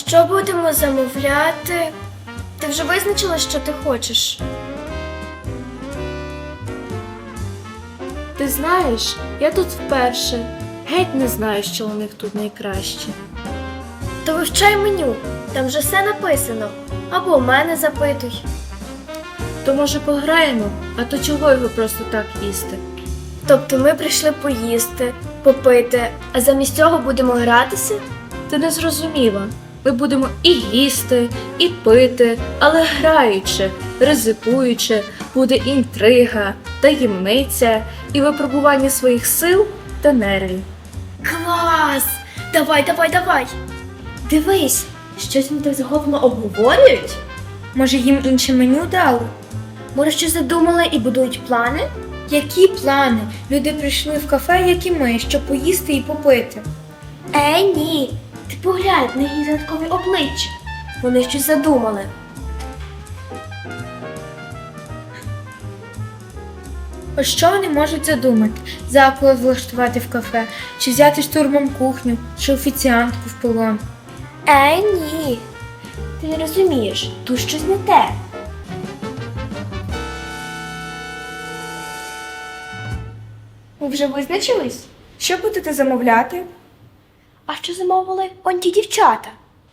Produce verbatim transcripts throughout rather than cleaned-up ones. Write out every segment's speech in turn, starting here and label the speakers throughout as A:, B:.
A: Що будемо замовляти? Ти вже визначила, що ти хочеш?
B: Ти знаєш, я тут вперше. Геть не знаю, що у них тут найкраще.
A: То вивчай меню, там вже все написано. Або в мене запитуй.
B: То може пограємо, а то чого його просто так їсти?
A: Тобто ми прийшли поїсти, попити, а замість цього будемо гратися?
B: Ти не зрозуміла. Ми будемо і їсти, і пити, але граючи, ризикуючи, буде інтрига, таємниця і випробування своїх сил та нервів.
A: Клас! Давай, давай, давай! Дивись, щось вони так захоплено обговорюють? Може їм інше меню дали? Може щось задумали і будують плани? Які плани? Люди прийшли в кафе, як і ми, щоб поїсти і попити. Е, ні. Ти поглянь на її загадкові обличчя. Вони щось задумали.
C: Ось що вони можуть задумати? Заклад влаштувати в кафе, чи взяти штурмом кухню, чи офіціантку в полон.
A: Е, ні. Ти не розумієш, тут щось не те.
C: Ви вже визначились? Що будете замовляти?
A: А що замовили он ті дівчата?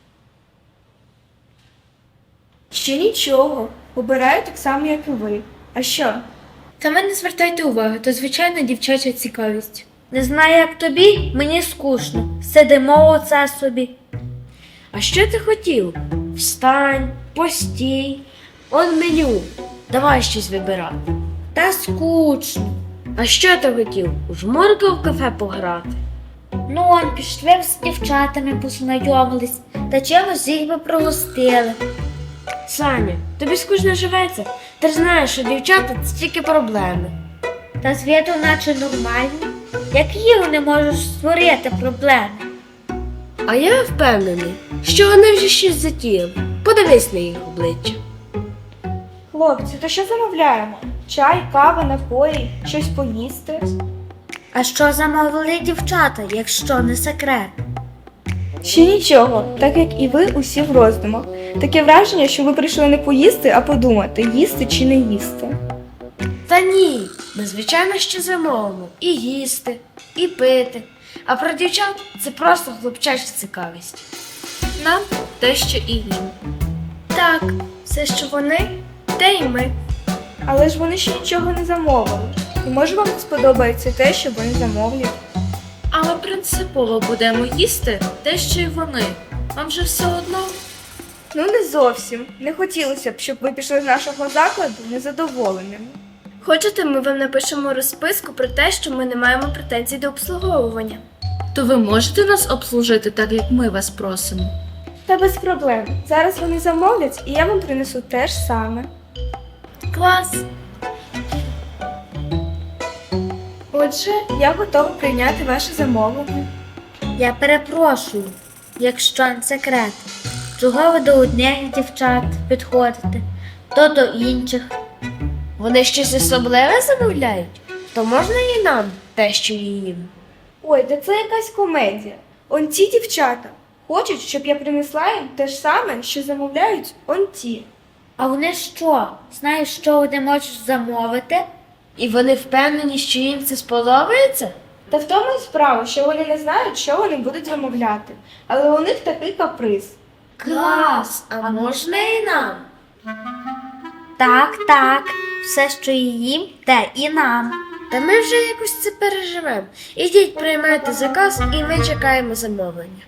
C: Ще нічого. Обираю так само, як і ви. А що? Та мене не звертайте уваги, то звичайна дівчача цікавість.
D: Не знаю, як тобі, мені скучно. Сидимо оце собі.
B: А що ти хотів? Встань, постій, он меню. Давай щось вибирати.
D: Та скучно.
B: А що ти хотів? У жмурки в кафе пограти?
D: Ну, он пішли з дівчатами познайомились, та чимось їх би пригостили.
B: Саня, тобі скучно живеться? Ти ж знаєш, що дівчата – це тільки проблеми.
D: Та з виду наче нормальні. Які вони можуть створити проблеми?
B: А я впевнений, що вони вже щось затіяли. Подивись на їх обличчя.
C: Хлопці, то що замовляємо? Чай, кава, напої, щось поїсти?
D: А що замовили дівчата, якщо не секрет?
C: Ще нічого, так як і ви усі в роздумах. Таке враження, що ви прийшли не поїсти, а подумати, їсти чи не їсти.
B: Та ні, ми звичайно ще замовимо і їсти, і пити. А про дівчат це просто хлопчача цікавість. Нам те, що і їм.
A: Так, все, що вони, те й ми.
C: Але ж вони ще нічого не замовили. І може вам не сподобається те, що вони замовлять?
B: Але принципово будемо їсти те, що й вони. Вам же все одно.
C: Ну не зовсім. Не хотілося б, щоб ви пішли з нашого закладу незадоволеними.
A: Хочете, ми вам напишемо розписку про те, що ми не маємо претензій до обслуговування.
B: То ви можете нас обслужити так, як ми вас просимо?
C: Та без проблем. Зараз вони замовлять, і я вам принесу те ж саме.
A: Клас!
C: Отже, я готова прийняти ваше замовлення.
D: Я перепрошую, якщо не секрет. Чого ви до одних дівчат підходите, то до інших?
B: Вони щось особливе замовляють? То можна і нам те, що і їм?
C: Ой, та це якась комедія. Он ті дівчата хочуть, щоб я принесла їм те ж саме, що замовляють он ті.
D: А вони що? Знають, що вони можуть замовити?
B: І вони впевнені, що їм це сподобається?
C: Та в тому і справа, що вони не знають, що вони будуть замовляти. Але у них такий каприз.
B: Клас! А можна і нам?
D: Так, так, все, що і їм, те і нам.
B: Та ми вже якось це переживемо. Ідіть, приймайте заказ, і ми чекаємо замовлення.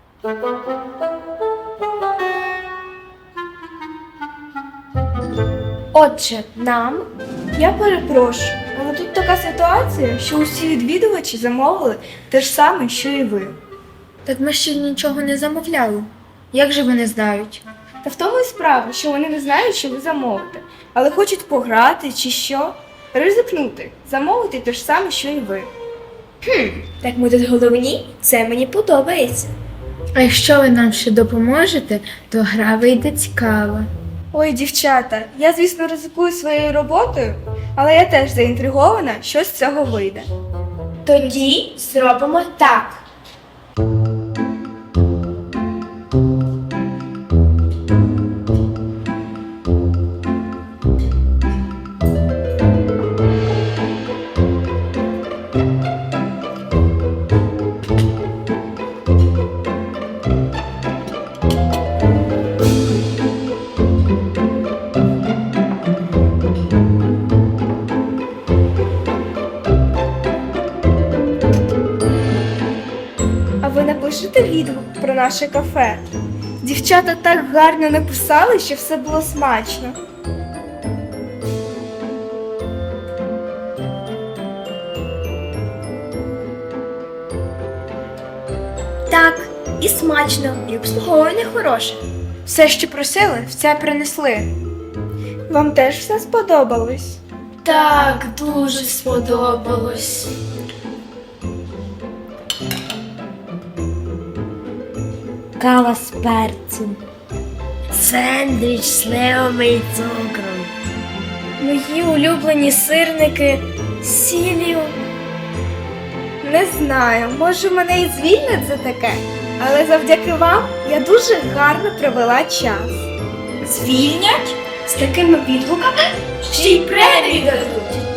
A: Отже, нам
C: Я перепрошую, але тут така ситуація, що усі відвідувачі замовили те ж саме, що і ви.
A: так ми ще нічого не замовляли. Як же вони знають?
C: Та в тому і справа, що вони не знають, що ви замовите, але хочуть пограти чи що. Ризикнути, замовити те ж саме, що і ви.
A: Так ми тут головні, це мені подобається.
C: А якщо ви нам ще допоможете, то гра вийде цікава. Ой, дівчата, я, звісно, ризикую своєю роботою, але я теж заінтригована, що з цього вийде.
A: Тоді зробимо так.
C: А ви напишете відгук про наше кафе? Дівчата так гарно написали, що все було смачно.
A: Так, і смачно, і обслуговування хороше.
C: Все, що просили, все принесли. Вам теж все сподобалось?
B: Так, дуже сподобалось.
D: Кава з перцем.
A: Сендвіч з сливами і цукром.
C: Мої улюблені сирники з сіллю. Не знаю, може мене і звільнять за таке, але завдяки вам я дуже гарно провела час.
A: Звільнять? З такими відгуками ще й премію дадуть.